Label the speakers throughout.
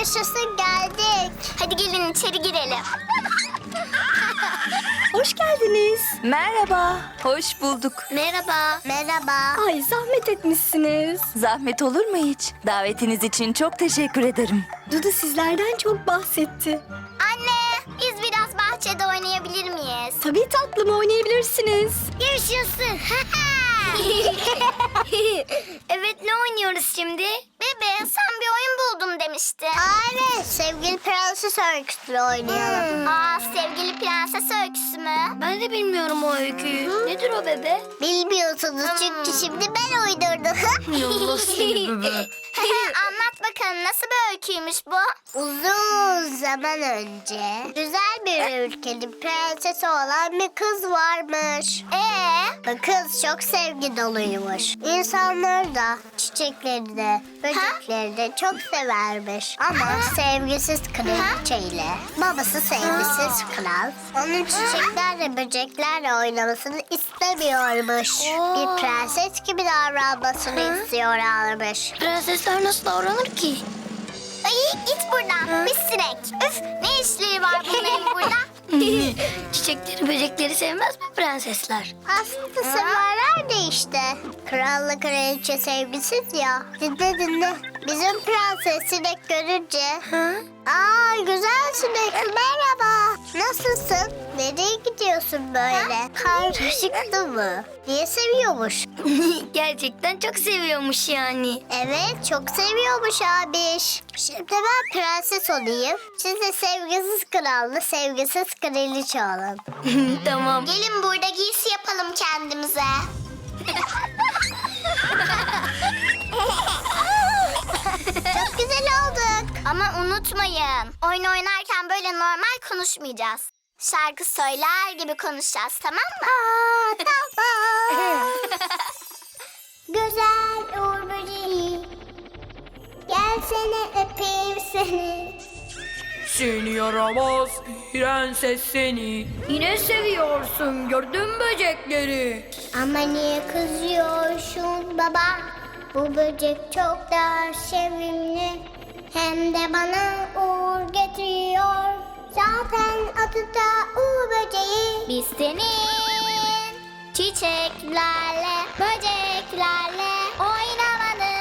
Speaker 1: Yaşasın, geldik. Hadi gelin içeri girelim.
Speaker 2: Hoş geldiniz.
Speaker 3: Merhaba, hoş bulduk.
Speaker 1: Merhaba. Merhaba.
Speaker 2: Ay zahmet etmişsiniz.
Speaker 3: Zahmet olur mu hiç? Davetiniz için çok teşekkür ederim.
Speaker 2: Dudu sizlerden çok bahsetti.
Speaker 1: Anne, biz biraz bahçede oynayabilir miyiz?
Speaker 2: Tabii tatlım, oynayabilirsiniz.
Speaker 1: Yaşasın. Evet, ne oynuyoruz şimdi? Bebe, sen bir oyun buldum demiştin. Evet, sevgili prenses öyküsü oynayalım. Sevgili prenses öyküsü mü?
Speaker 4: Ben de bilmiyorum o öyküyü. Nedir o bebe?
Speaker 1: Bilmiyorsunuz çünkü şimdi ben uydurdum.
Speaker 4: Allah seni bebe.
Speaker 1: Anlat bakalım, nasıl bir öyküymüş bu? Uzun zaman önce güzel bir ülkenin prensesi olan bir kız varmış. Bu kız çok sevgi doluymuş. İnsanları da, çiçekleri de, böcekleri de çok severmiş. Ama sevgisiz kraliçeyle babası sevgisiz kral onun çiçeklerle böceklerle oynamasını istemiyormuş. Bir prenses gibi davranmasını istiyorlarmış.
Speaker 4: Prensesler nasıl davranır ki?
Speaker 1: Ay, git buradan pis sinek. Üf, ne işleri var bunların burada?
Speaker 4: Çiçekleri, böcekleri sevmez mi prensesler?
Speaker 1: Aslında severler de işte. Kralla kraliçe sevgisiz ya. Dinle. Bizim prenses sinek görünce... güzel sinek, merhaba. Nasılsın? Nereye gidiyorsun böyle? Karışıktı mı? Diye seviyormuş.
Speaker 4: Gerçekten çok seviyormuş yani.
Speaker 1: Evet, çok seviyormuş abiş. Şimdi ben prenses olayım. Siz de sevgisiz kralla, sevgisiz kraliçe olun.
Speaker 4: Tamam.
Speaker 1: Gelin burada giysi yapalım kendimize. Çok güzel olduk. Ama unutmayın, oyun oynarken böyle normal konuşmayacağız. Şarkı söyler gibi konuşacağız, tamam mı? Tamam. Güzel Uğur böceği, gelsene öpeyim seni.
Speaker 5: Seni yaramaz prenses seni.
Speaker 4: Yine seviyorsun, gördün böcekleri.
Speaker 1: Ama niye kızıyorsun baba? Bu böcek çok da sevimli. Hem de bana uğur getiriyor. Zaten adı da uğur böceği. Biz senin çiçeklerle, böceklerle oynamanı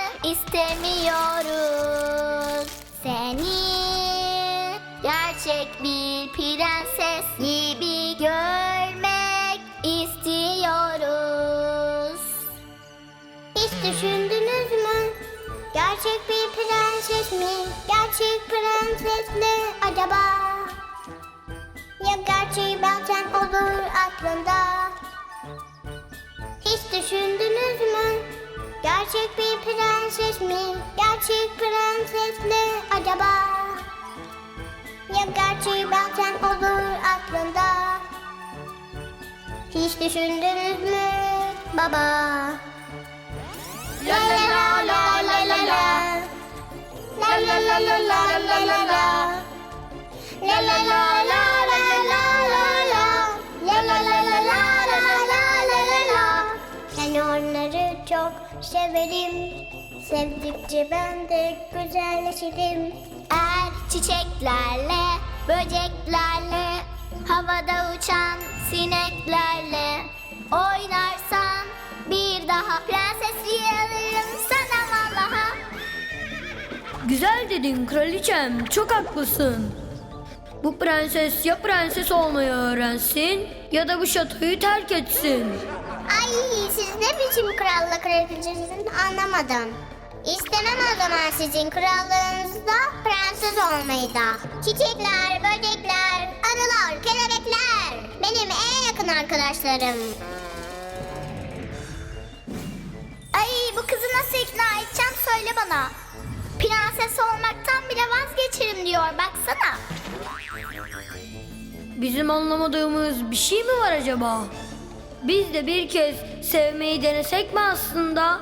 Speaker 1: istemiyoruz. Seni gerçek bir prenses gibi görmek istiyoruz. Hiç düşündünüz mü? Gerçek bir prenses mi? Gerçek prenses ne acaba? Ya gerçeği bazen olur aklında? Hiç düşündünüz mü? Gerçek bir prenses mi? Gerçek prenses ne acaba? Ya gerçeği bazen olur aklında? Hiç düşündünüz mü baba? La la la la la la la. La la la la la la la la. La la la la la la la la. La la la la la la la la la. Ben onları çok severim. Sevdikçe ben de güzelleşirim. Eğer çiçeklerle, böceklerle, havada uçan sineklerle oynarsan bir daha prensesliği alırım sana vallaha.
Speaker 4: Güzel dedin kraliçem, çok haklısın. Bu prenses ya prenses olmayı öğrensin ya da bu şatoyu terk etsin.
Speaker 1: Ay, siz ne biçim kralla kraliçesiniz anlamadım. İstemem o zaman sizin krallığınızda prenses olmayı da. Çiçekler, böcekler, arılar, kelebekler benim en yakın arkadaşlarım. Ay, bu kızı nasıl ikna edeceğim söyle bana. Prenses olmaktan bile vazgeçerim diyor, baksana.
Speaker 4: Bizim anlamadığımız bir şey mi var acaba? Biz de bir kez sevmeyi denesek mi aslında?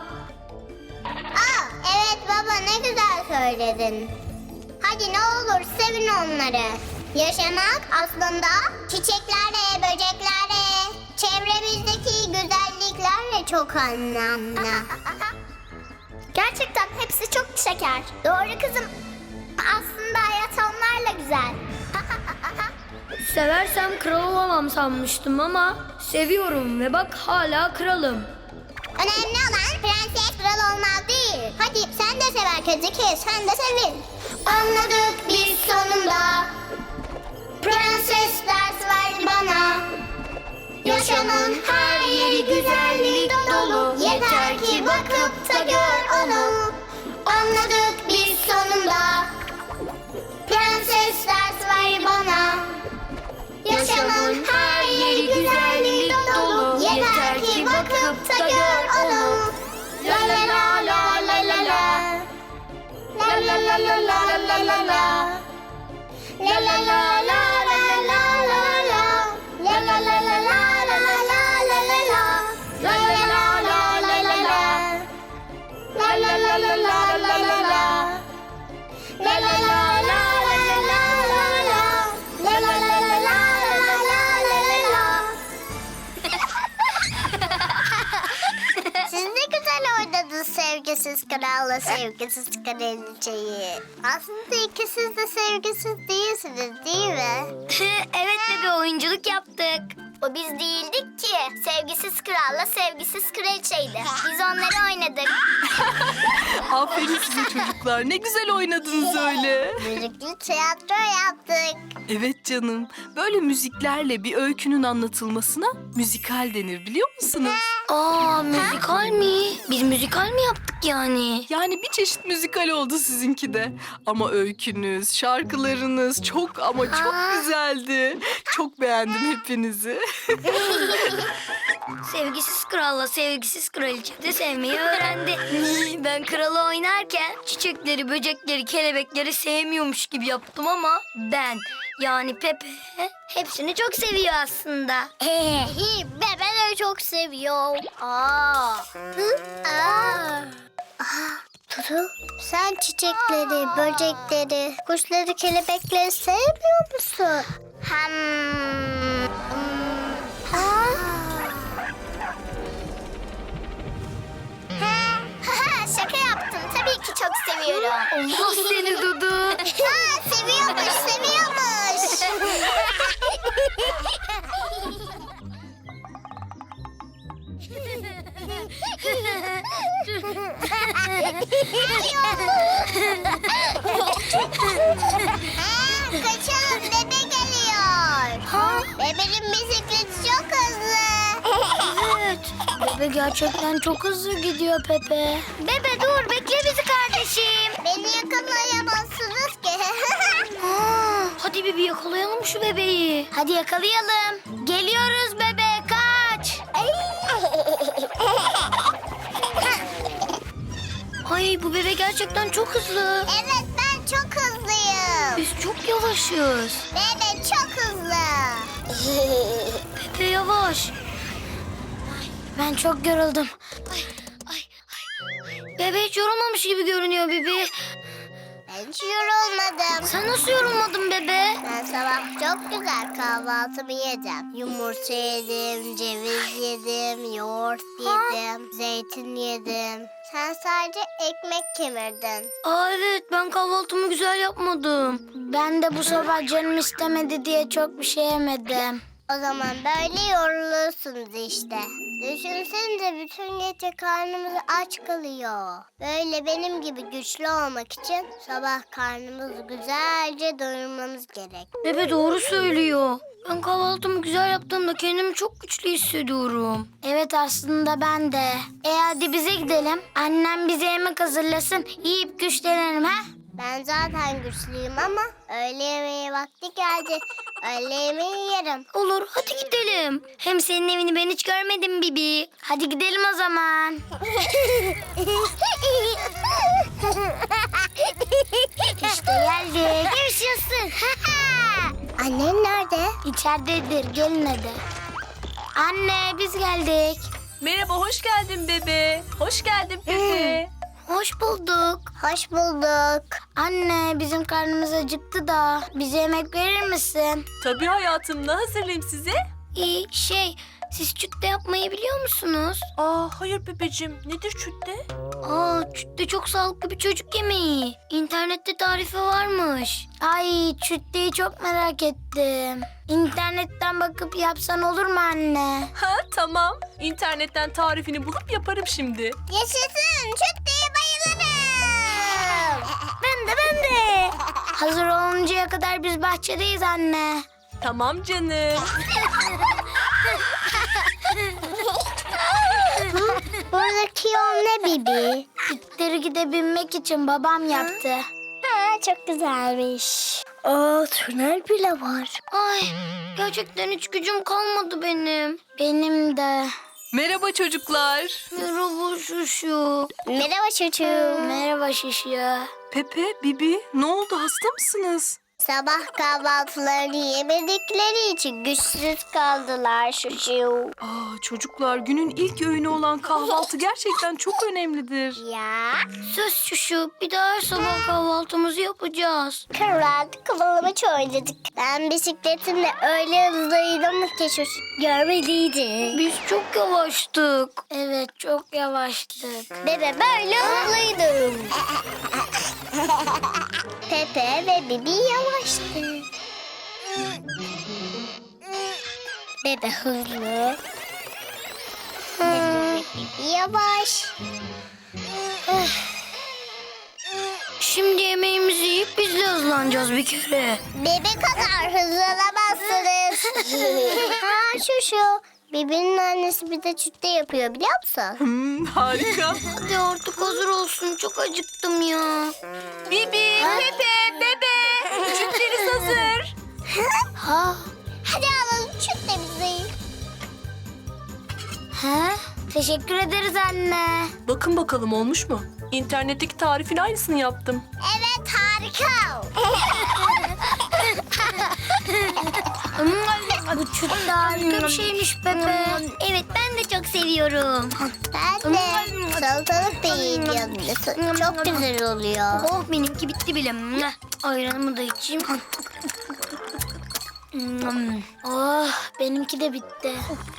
Speaker 1: Evet baba, ne güzel söyledin. Hadi ne olur sevin onları. Yaşamak aslında çiçeklerle, böceklerle, çevremizdeki güzelliklerle çok anlamlı. Gerçekten hepsi çok şeker. Doğru kızım. Aslında hayat onlarla güzel.
Speaker 4: Seversem kral olamam sanmıştım ama seviyorum ve bak hala kralım.
Speaker 1: Önemli olan prenses kral olmak değil. Hadi sen de sev herkesi, sen de sevin. Anladık biz sonunda. Prenses ders verdi bana. Yaşamın her yeri güzellik dolu. Yeter ki bakıp da gör onu. Anladık biz sonunda. Prenses ders ver bana. Yaşamın her yeri güzellik dolu. Yeter ki bakıp da gör onu. La la la la la la la. La la la la la la la la. La la la la la la la la. La la la la la la la la la la. La la la la la la la. La la la la la la la la. La la la la la la la la. La la la la la la la la. Siz ne güzel oynadınız sevgisiz kralla sevgisiz kraliçeyi. Aslında ikisiz de sevgisiz değilsiniz değil mi?
Speaker 6: Evet bebe, oyunculuk yaptık.
Speaker 1: O biz değildik ki. Sevgisiz kralla sevgisiz kraliçeydi. Biz onları oynadık.
Speaker 5: Aferin size çocuklar. Ne güzel oynadınız öyle.
Speaker 1: Müzikli tiyatro yaptık.
Speaker 5: Evet canım. Böyle müziklerle bir öykünün anlatılmasına müzikal denir biliyor musunuz?
Speaker 6: Aa, müzikal mi? Biz müzikal mi yaptık yani?
Speaker 5: Yani bir çeşit müzikal oldu sizinki de. Ama öykünüz, şarkılarınız çok ama çok güzeldi. Çok beğendim hepinizi.
Speaker 6: Sevgisiz kralla sevgisiz kraliçe de sevmeyi öğrendi. Ben kralı oynarken çiçekleri, böcekleri, kelebekleri sevmiyormuş gibi yaptım ama ben yani Pepe hepsini çok seviyor aslında.
Speaker 1: Bebeleri çok seviyor. Aa. Dudu, sen çiçekleri, böcekleri, kuşları, kelebekleri sevmiyor musun? Şaka yaptım. Tabii ki çok seviyorum.
Speaker 6: Allah seni Dudu.
Speaker 1: Seviyormuş, seviyormuş. Kaçalım, bebe geliyor. Bebenin bisikleti çok hızlı.
Speaker 6: Evet. Bebe gerçekten çok hızlı gidiyor Pepe. Bebe dur, bekle bizi kardeşim.
Speaker 1: Beni yakalayamazsınız ki.
Speaker 6: Hadi Bibi yakalayalım şu bebeği. Hadi yakalayalım. Geliyoruz bebe, kaç. Ay, bu bebe gerçekten çok hızlı.
Speaker 1: Evet, ben çok hızlıyım.
Speaker 6: Biz çok yavaşız.
Speaker 1: Bebe çok hızlı.
Speaker 6: Pepe yavaş. Ben çok yoruldum. Bebe hiç yorulmamış gibi görünüyor Bibi.
Speaker 1: Ben hiç yorulmadım.
Speaker 6: Sen nasıl yorulmadın bebe?
Speaker 1: Ben sabah çok güzel kahvaltımı yedim. Yumurta yedim, ceviz yedim, yoğurt yedim, zeytin yedim. Sen sadece ekmek kemirdin.
Speaker 6: Aa evet, ben kahvaltımı güzel yapmadım. Ben de bu sabah canım istemedi diye çok bir şey yemedim.
Speaker 1: O zaman böyle yorulursunuz işte. Düşünsenize bütün gece karnımız aç kalıyor. Böyle benim gibi güçlü olmak için sabah karnımızı güzelce doyurmamız gerek.
Speaker 6: Bebe doğru söylüyor. Ben kahvaltımı güzel yaptığımda kendimi çok güçlü hissediyorum. Evet, aslında ben de. Hadi bize gidelim. Annem bize yemek hazırlasın. Yiyip güçlenelim ha?
Speaker 1: Ben zaten güçlüyüm ama öğle yemeği vakti geldi. Öğle yemeği yerim.
Speaker 6: Olur, hadi gidelim. Hem senin evini ben hiç görmedim Bibi. Hadi gidelim o zaman. İşte geldik. Yaşasın.
Speaker 1: Annen nerede?
Speaker 6: İçeridedir, gelin hadi. Anne, biz geldik.
Speaker 3: Merhaba, hoş geldin bebe. Hoş geldin Pepe.
Speaker 6: Hoş bulduk.
Speaker 1: Hoş bulduk.
Speaker 6: Anne, bizim karnımız acıktı da bize yemek verir misin?
Speaker 3: Tabii hayatım, ne hazırlayayım size?
Speaker 6: Siz çütte yapmayı biliyor musunuz?
Speaker 7: Hayır Pepeciğim. Nedir çütte?
Speaker 6: Çütte çok sağlıklı bir çocuk yemeği. İnternette tarifi varmış. Ay çütteyi çok merak ettim. İnternetten bakıp yapsan olur mu anne?
Speaker 7: Tamam. İnternetten tarifini bulup yaparım şimdi.
Speaker 1: Yaşasın, çütteye bayılırım.
Speaker 6: Ben de. Hazır oluncaya kadar biz bahçedeyiz anne.
Speaker 7: Tamam canım.
Speaker 1: Buradaki yol ne Bibi?
Speaker 6: İtleri gidebilmek için babam yaptı.
Speaker 1: Çok güzelmiş. Tünel bile var.
Speaker 6: Ay gerçekten hiç gücüm kalmadı benim. Benim de.
Speaker 5: Merhaba çocuklar.
Speaker 6: Merhaba Şuşu.
Speaker 1: Merhaba çocuğum.
Speaker 6: Merhaba Şuşu.
Speaker 5: Pepe, Bibi, ne oldu? Hasta mısınız?
Speaker 1: Sabah kahvaltılarını yemedikleri için güçsüz kaldılar çocuğum.
Speaker 5: Çocuklar, günün ilk öğünü olan kahvaltı gerçekten çok önemlidir.
Speaker 1: Ya.
Speaker 6: Söz Şuşu, bir daha her sabah kahvaltımızı yapacağız.
Speaker 1: Kıvırdık, kıvılamaç oynadık. Ben bisikletimle öyle hızlıydım ki çocuk görmeliydin.
Speaker 6: Biz çok yavaştık. Evet, çok yavaştık.
Speaker 1: Bebe böyle hızlıydım. Pepe ve Bibi yavaştı. Bebe hızlı. Bibi yavaş.
Speaker 6: Şimdi yemeğimizi yiyip biz de hızlanacağız bir kere.
Speaker 1: Bebe kadar hızlanamazsınız. Şu. Bibi'nin annesi bir de çütte yapıyor biliyor musun?
Speaker 5: Harika.
Speaker 6: Hadi artık hazır olsun, çok acıktım ya.
Speaker 7: Bibi, Pepe, Bebe. Çütleriniz hazır.
Speaker 1: Hadi alalım çüttemizi.
Speaker 6: Teşekkür ederiz anne.
Speaker 7: Bakın bakalım olmuş mu? İnternetteki tarifin aynısını yaptım.
Speaker 1: Evet harika.
Speaker 6: Bu çütte harika bir şeymiş Pepe. Evet, ben de çok seviyorum.
Speaker 1: Ben de salatalık da yiyeyim yanında. Çok güzel oluyor.
Speaker 6: Oh, benimki bitti bile. Ayranımı da içeyim. Oh, benimki de bitti.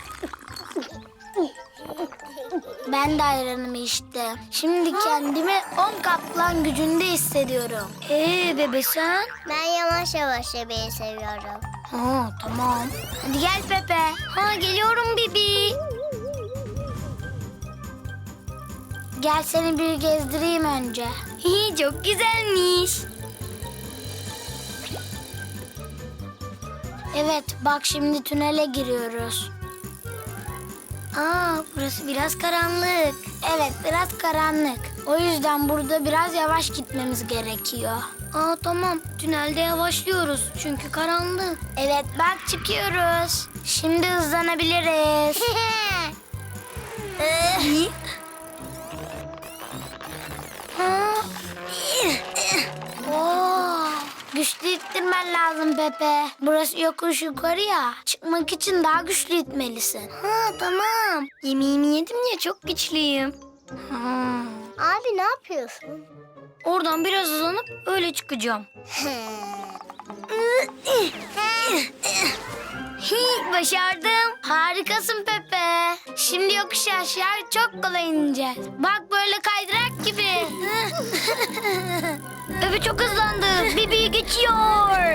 Speaker 6: Ben de ayranımı içtim. Şimdi kendimi 10 kaplan gücünde hissediyorum. Bebe sen?
Speaker 1: Ben yavaş yavaş yemeyi seviyorum.
Speaker 6: Tamam. Hadi gel Pepe. Geliyorum Bibi. Gel seni bir gezdireyim önce. Çok güzelmiş. Evet, bak şimdi tünele giriyoruz. Burası biraz karanlık. Evet, biraz karanlık. O yüzden burada biraz yavaş gitmemiz gerekiyor. Tamam. Tünelde yavaşlıyoruz çünkü karanlık. Evet, bak çıkıyoruz. Şimdi hızlanabiliriz. Güçlü ittirmen lazım Pepe. Burası yokuş yukarı ya. Çıkmak için daha güçlü itmelisin. Tamam. Yemeğimi yedim ya, çok güçlüyüm.
Speaker 1: Abi ne yapıyorsun?
Speaker 6: Oradan biraz hızlanıp öyle çıkacağım. Başardım. Harikasın Pepe. Şimdi yokuş aşağı çok kolay ineceğiz. Bak böyle kaydırak gibi. Pepe çok hızlandı. Bibi geçiyor.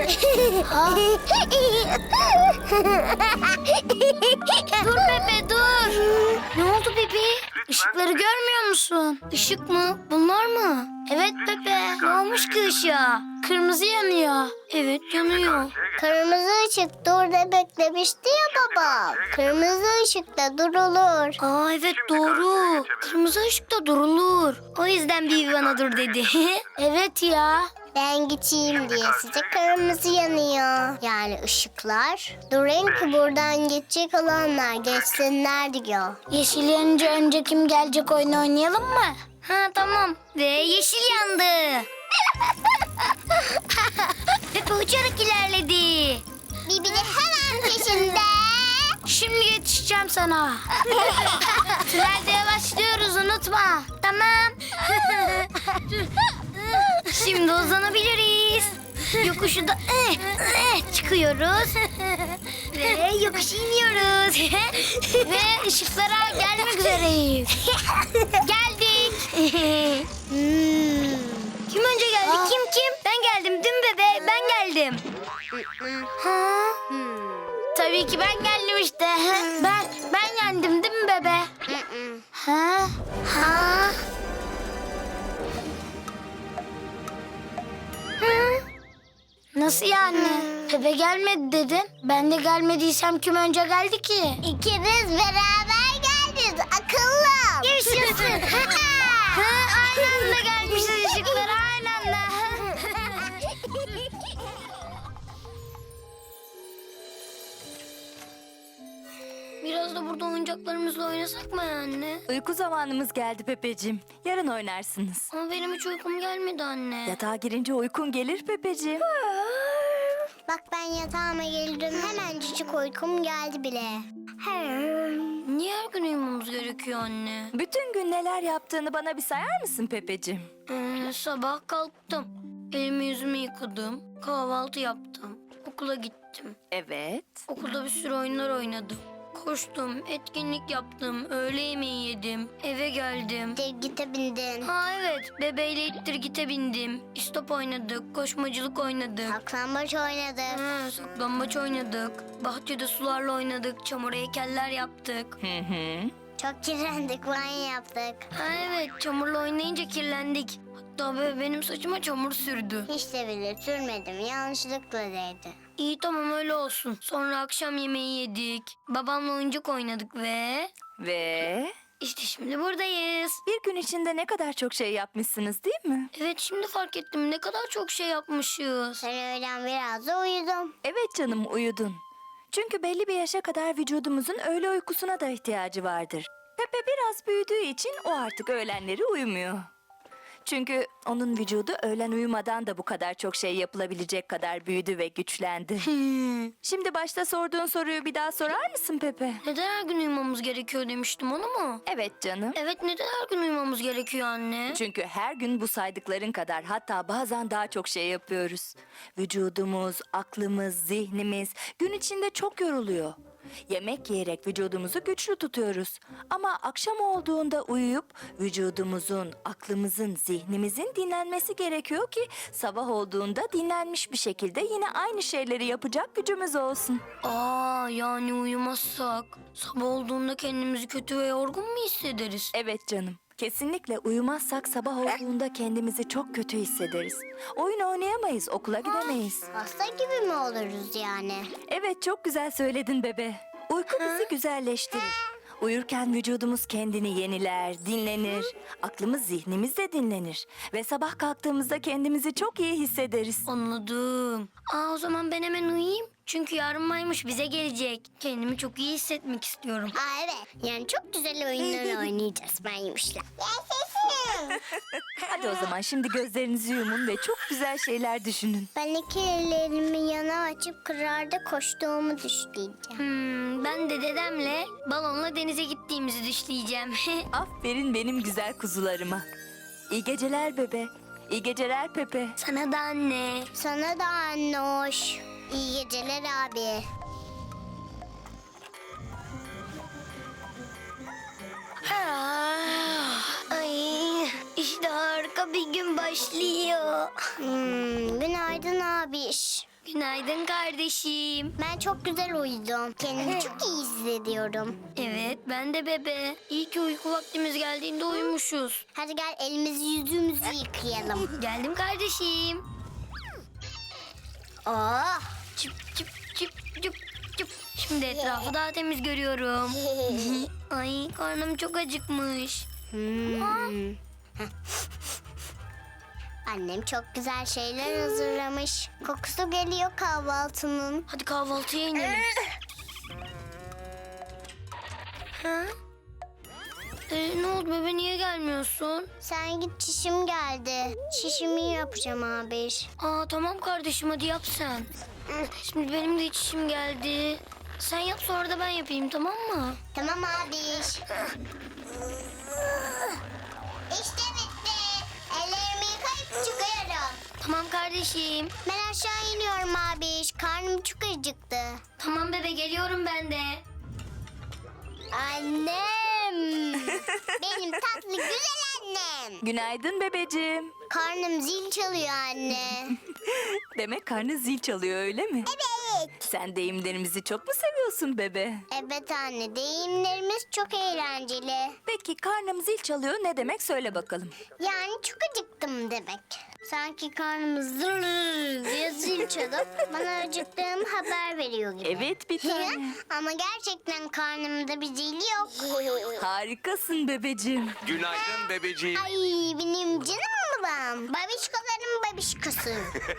Speaker 6: Dur Pepe dur. Ne oldu Bibi? Işıkları görmüyor musun? Işık mı? Bunlar mı? Evet Pepe. Ne olmuş ki ışığa? Kırmızı yanıyor. Evet yanıyor.
Speaker 1: Kırmızı ışık dur de beklemişti ya baba. Kırmızı ışıkta durulur.
Speaker 6: Evet doğru. Kırmızı ışıkta durulur. O yüzden Bibi bana dur dedi. Evet ya.
Speaker 1: Ben geçeyim diye size kırmızı yanıyor. Yani ışıklar. Durun ki buradan geçecek olanlar geçsinler diyor.
Speaker 6: Yeşil yanınca önce kim gelecek oyunu oynayalım mı? Tamam. Ve yeşil yandı. Pepe uçarak ilerledi.
Speaker 1: Bibi de hemen peşinde.
Speaker 6: Şimdi yetişeceğim sana. Tünelde yavaşlıyoruz, unutma. Tamam. Şimdi uzanabiliriz.
Speaker 1: Yokuşu da çıkıyoruz. Ve yokuş iniyoruz. Ve ışıklara gelmek üzereyiz. Geldik.
Speaker 6: Kim önce geldi? Kim? Ben geldim değil mi bebe? Ben geldim.
Speaker 1: Tabii ki ben geldim işte. Ben yendim değil mi bebe? Ha? Nasıl yani? Bebe gelmedi dedin. Ben de gelmediysem kim önce geldi ki? İkimiz beraber geldik akıllı. Yaşasın. Aynı anda gelmişiz ışıklara aynı anda.
Speaker 6: Biraz da burada oyuncaklarımızla oynasak mı anne?
Speaker 3: Uyku zamanımız geldi Pepeciğim. Yarın oynarsınız.
Speaker 6: Ama benim hiç uykum gelmedi anne.
Speaker 3: Yatağa girince uykun gelir Pepeciğim.
Speaker 1: Bak ben yatağıma geldim. Hemencik uykum geldi bile.
Speaker 6: Niye her gün uyumamız gerekiyor anne?
Speaker 3: Bütün gün neler yaptığını bana bir sayar mısın Pepeciğim?
Speaker 6: Sabah kalktım. Elimi yüzümü yıkadım. Kahvaltı yaptım. Okula gittim.
Speaker 3: Evet.
Speaker 6: Okulda bir sürü oyunlar oynadım. Koştum, etkinlik yaptım, öğle yemeği yedim, eve geldim.
Speaker 1: Gite bindin.
Speaker 6: Ha evet, bebeğiyle ittir gite bindim. İstop oynadık, koşmacılık oynadık.
Speaker 1: Saklambaç oynadık.
Speaker 6: Saklambaç oynadık. Bahçede sularla oynadık, çamur heykeller yaptık.
Speaker 1: Çok kirlendik, banyo yaptık.
Speaker 6: Ha evet, çamurla oynayınca kirlendik. Hatta benim saçıma çamur sürdü.
Speaker 1: Hiç de bile sürmedim, yanlışlıkla değdi.
Speaker 6: İyi tamam öyle olsun. Sonra akşam yemeği yedik. Babamla oyuncak oynadık
Speaker 3: Ve
Speaker 6: işte şimdi buradayız.
Speaker 3: bir gün içinde ne kadar çok şey yapmışsınız değil mi?
Speaker 6: Evet şimdi fark ettim ne kadar çok şey yapmışız.
Speaker 1: Ben öğlen biraz da uyudum.
Speaker 3: Evet canım uyudun. Çünkü belli bir yaşa kadar vücudumuzun öğle uykusuna da ihtiyacı vardır. Pepe biraz büyüdüğü için o artık öğlenleri uyumuyor. Çünkü onun vücudu öğlen uyumadan da bu kadar çok şey yapılabilecek kadar büyüdü ve güçlendi. Şimdi başta sorduğun soruyu bir daha sorar mısın Pepe?
Speaker 6: Neden her gün uyumamız gerekiyor demiştim onu mu?
Speaker 3: Evet canım.
Speaker 6: Evet neden her gün uyumamız gerekiyor anne?
Speaker 3: Çünkü her gün bu saydıkların kadar hatta bazen daha çok şey yapıyoruz. Vücudumuz, aklımız, zihnimiz gün içinde çok yoruluyor. Yemek yiyerek vücudumuzu güçlü tutuyoruz. Ama akşam olduğunda uyuyup vücudumuzun, aklımızın, zihnimizin dinlenmesi gerekiyor ki sabah olduğunda dinlenmiş bir şekilde yine aynı şeyleri yapacak gücümüz olsun.
Speaker 6: Yani uyumazsak sabah olduğunda kendimizi kötü ve yorgun mu hissederiz?
Speaker 3: Evet canım. Kesinlikle uyumazsak sabah olduğunda kendimizi çok kötü hissederiz. Oyun oynayamayız, okula gidemeyiz.
Speaker 1: Hasta gibi mi oluruz yani?
Speaker 3: Evet çok güzel söyledin bebe. Uyku bizi güzelleştirir. Uyurken vücudumuz kendini yeniler, dinlenir. Aklımız, zihnimiz de dinlenir. Ve sabah kalktığımızda kendimizi çok iyi hissederiz.
Speaker 6: Anladım. O zaman ben hemen uyuyayım. Çünkü yarın maymuş bize gelecek. Kendimi çok iyi hissetmek istiyorum.
Speaker 1: Evet. Yani çok güzel oyunlar oynayacağız ben yemişler. Yaşasın.
Speaker 3: Hadi o zaman şimdi gözlerinizi yumun ve çok güzel şeyler düşünün.
Speaker 1: Ben iki ellerimi yana açıp kırarda koştuğumu düşleyeceğim.
Speaker 6: Ben de dedemle balonla denize gittiğimizi düşleyeceğim.
Speaker 3: Aferin benim güzel kuzularıma. İyi geceler bebe. İyi geceler Pepe.
Speaker 6: Sana da anne.
Speaker 1: Sana da anne hoş. İyi geceler abi.
Speaker 6: Ay, işte harika bir gün başlıyor.
Speaker 1: Günaydın abiş.
Speaker 6: Günaydın kardeşim.
Speaker 1: Ben çok güzel uyudum. Kendimi çok iyi hissediyorum.
Speaker 6: Evet ben de bebe. İyi ki uyku vaktimiz geldiğinde uyumuşuz.
Speaker 1: Hadi gel elimizi yüzümüzü yıkayalım.
Speaker 6: Geldim kardeşim.
Speaker 1: Oh.
Speaker 6: Çıp çıp çıp çıp çıp. Şimdi etrafı daha temiz görüyorum. Ay karnım çok acıkmış.
Speaker 1: Annem çok güzel şeyler hazırlamış. Kokusu geliyor kahvaltının.
Speaker 6: Hadi kahvaltıya inelim. Ha? Ne oldu bebe niye gelmiyorsun?
Speaker 1: Sen git çişim geldi. Çişimi yapacağım abi.
Speaker 6: Tamam kardeşim hadi yap sen. Şimdi benim de çişim geldi. Sen yap sonra da ben yapayım tamam mı?
Speaker 1: Tamam abi. İşte bitti. Ellerimi yıkayıp çıkıyorum.
Speaker 6: Tamam kardeşim. kardeşim.
Speaker 1: Ben aşağı iniyorum abi. Karnım çok acıktı.
Speaker 6: Tamam bebe, geliyorum ben de.
Speaker 1: Annem. Benim tatlı güzel annem.
Speaker 3: Günaydın bebeciğim.
Speaker 1: Karnım zil çalıyor anne.
Speaker 3: Demek karnı zil çalıyor öyle mi?
Speaker 1: Evet.
Speaker 3: Sen deyimlerimizi çok mu seviyorsun bebe?
Speaker 1: Evet anne, deyimlerimiz çok eğlenceli.
Speaker 3: Peki karnım zil çalıyor ne demek söyle bakalım.
Speaker 1: Yani çok acıktım demek. Sanki karnım zır diye zil çalıp bana acıktığım haber veriyor gibi.
Speaker 3: Evet bir tane.
Speaker 1: Ama gerçekten karnımda bir zil yok.
Speaker 3: Harikasın bebeciğim.
Speaker 8: Günaydın bebeciğim.
Speaker 1: Ay benim canım babam. Babişkoların babişkosu.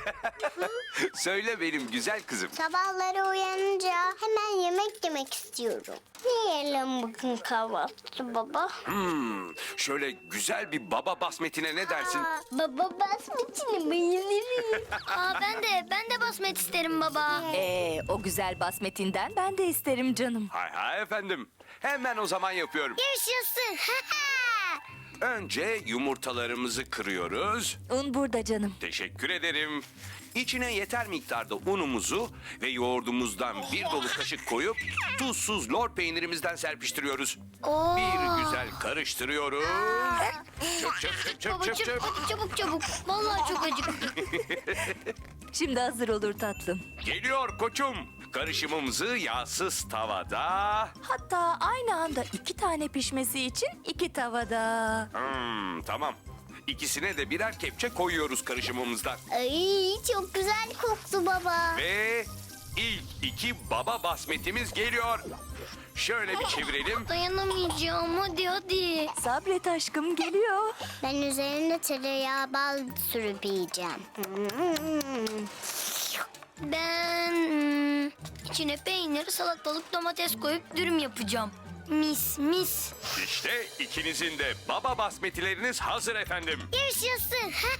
Speaker 8: Söyle benim güzel kızım.
Speaker 1: Sabahları uyanınca hemen yemek yemek istiyorum. Ne yiyelim bugün kahvaltı baba?
Speaker 8: Şöyle güzel bir baba basmetine ne dersin?
Speaker 1: Baba basmetini bayılırım.
Speaker 6: Aa, ben de basmet isterim baba.
Speaker 3: O güzel basmetinden ben de isterim canım.
Speaker 8: Hay hay efendim. Hemen o zaman yapıyorum.
Speaker 1: Yaşasın.
Speaker 8: Önce yumurtalarımızı kırıyoruz.
Speaker 3: Un burada canım.
Speaker 8: Teşekkür ederim. İçine yeter miktarda unumuzu ve yoğurdumuzdan bir dolu kaşık koyup tuzsuz lor peynirimizden serpiştiriyoruz. Bir güzel karıştırıyoruz. Çöp çöp çöp çöp
Speaker 6: Baba
Speaker 8: çöp çöp.
Speaker 6: çabuk çabuk. Vallahi çok acıktım.
Speaker 3: Şimdi hazır olur tatlım.
Speaker 8: Geliyor koçum. Karışımımızı yağsız tavada.
Speaker 3: Hatta aynı anda 2 tane pişmesi için 2 tavada.
Speaker 8: Tamam. İkisine de birer kepçe koyuyoruz karışımımızdan.
Speaker 1: Ay çok güzel koktu baba.
Speaker 8: Ve ilk 2 baba basmetimiz geliyor. Şöyle bir çevirelim.
Speaker 6: Dayanamayacağım, hadi.
Speaker 3: Sabret aşkım geliyor.
Speaker 1: Ben üzerine tereyağı bal sürüp yiyeceğim.
Speaker 6: Ben içine peynir, salatalık, domates koyup dürüm yapacağım. Mis mis.
Speaker 8: İşte ikinizin de baba basmetileriniz hazır efendim.
Speaker 1: Yaşasın.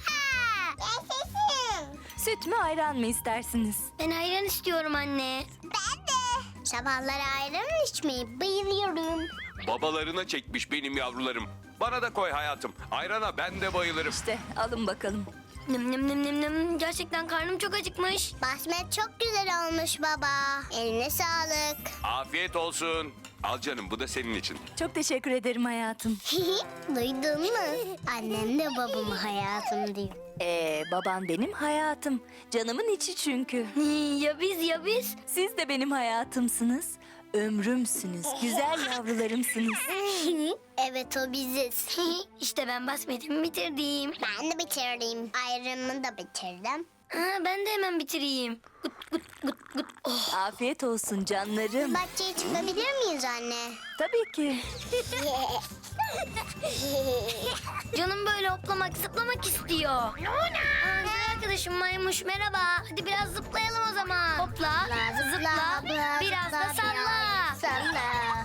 Speaker 1: Yaşasın.
Speaker 3: Süt mü ayran mı istersiniz?
Speaker 6: Ben ayran istiyorum anne.
Speaker 1: Ben de. Sabahları ayran içmeyi bayılıyorum.
Speaker 8: Babalarına çekmiş benim yavrularım. Bana da koy hayatım. Ayrana ben de bayılırım.
Speaker 3: İşte alın bakalım.
Speaker 6: Nem nem nem nem nem. Gerçekten karnım çok acıkmış.
Speaker 1: Basmet çok güzel olmuş baba. Eline sağlık.
Speaker 8: Afiyet olsun. Al canım bu da senin için.
Speaker 3: Çok teşekkür ederim hayatım.
Speaker 1: Duydun mu? Annem de babamı hayatım diyor.
Speaker 3: Baban benim hayatım. Canımın içi çünkü.
Speaker 6: Ya biz ya biz.
Speaker 3: Siz de benim hayatımsınız. Ömrümsünüz. Güzel yavrularımsınız.
Speaker 1: Evet o biziz.
Speaker 6: İşte ben basmetimi bitirdim.
Speaker 1: Ben de bitirdim. Ayranımı da bitirdim.
Speaker 6: Ben de hemen bitireyim. Gut gut gut gut. Oh.
Speaker 3: Afiyet olsun canlarım.
Speaker 1: Bahçeye çıkabilir miyiz anne?
Speaker 3: Tabii ki.
Speaker 6: Canım böyle hoplamak zıplamak istiyor. Güzel arkadaşım Maymuş merhaba. Hadi biraz zıplayalım o zaman. Hopla, zıpla, biraz da salla.
Speaker 1: Salla.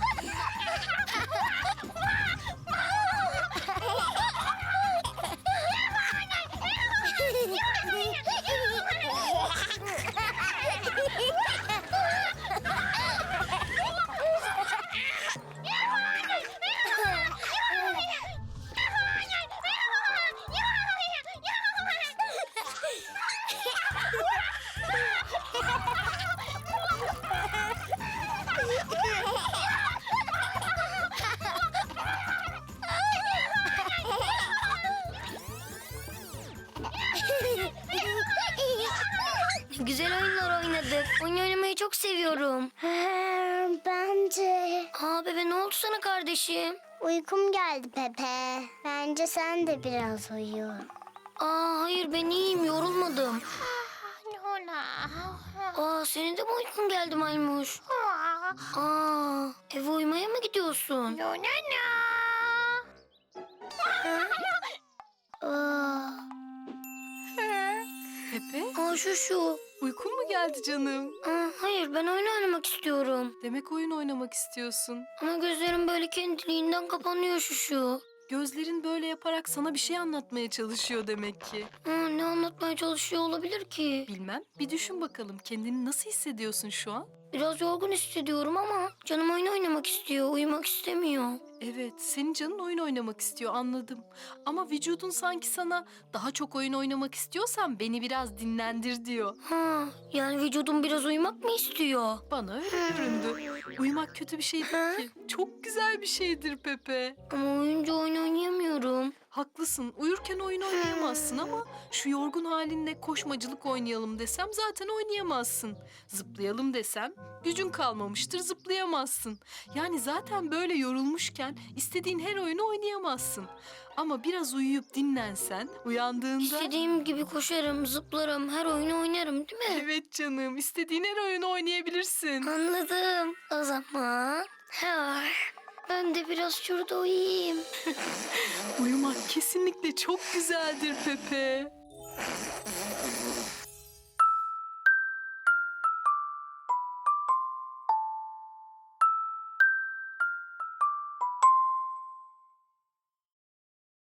Speaker 6: Güzel oyunlar oynadık. Oyun oynamayı çok seviyorum.
Speaker 1: Bence
Speaker 6: Bebe ne oldu sana kardeşim?
Speaker 1: uykum geldi Pepe. Bence sen de biraz uyu.
Speaker 6: Hayır ben iyiyim, yorulmadım. Senin de mi uykun geldi Maymuş? Eve uyumaya mı gidiyorsun?
Speaker 5: Pepe,
Speaker 6: Şu.
Speaker 5: uykun mu geldi canım?
Speaker 6: Hayır ben oyun oynamak istiyorum.
Speaker 5: Demek oyun oynamak istiyorsun.
Speaker 6: Ama gözlerim böyle kendiliğinden kapanıyor şu.
Speaker 5: Gözlerin böyle yaparak sana bir şey anlatmaya çalışıyor demek ki.
Speaker 6: Ne anlatmaya çalışıyor olabilir ki?
Speaker 5: Bilmem. Bir düşün bakalım kendini nasıl hissediyorsun şu an?
Speaker 6: Biraz yorgun hissediyorum ama canım oyun oynamak istiyor, uyumak istemiyor.
Speaker 5: Evet, senin canın oyun oynamak istiyor, anladım. Ama vücudun sanki sana daha çok oyun oynamak istiyorsan beni biraz dinlendir diyor.
Speaker 6: Ha, yani vücudum biraz uyumak mı istiyor?
Speaker 5: Bana öyle göründü. Uyumak kötü bir şey değil ki. Çok güzel bir şeydir Pepe.
Speaker 6: Ama uyuyunca oyun oynayamıyorum.
Speaker 5: Haklısın. Uyurken oyun oynayamazsın ama şu yorgun halinle koşmacılık oynayalım desem zaten oynayamazsın. Zıplayalım desem gücün kalmamıştır, zıplayamazsın. Yani zaten böyle yorulmuşken istediğin her oyunu oynayamazsın. Ama biraz uyuyup dinlensen uyandığında...
Speaker 6: İstediğim gibi koşarım, zıplarım, her oyunu oynarım değil mi?
Speaker 5: Evet canım, istediğin her oyunu oynayabilirsin.
Speaker 6: Anladım. O zaman ben de biraz şurada uyuyayım.
Speaker 5: Uyumak kesinlikle çok güzeldir Pepe.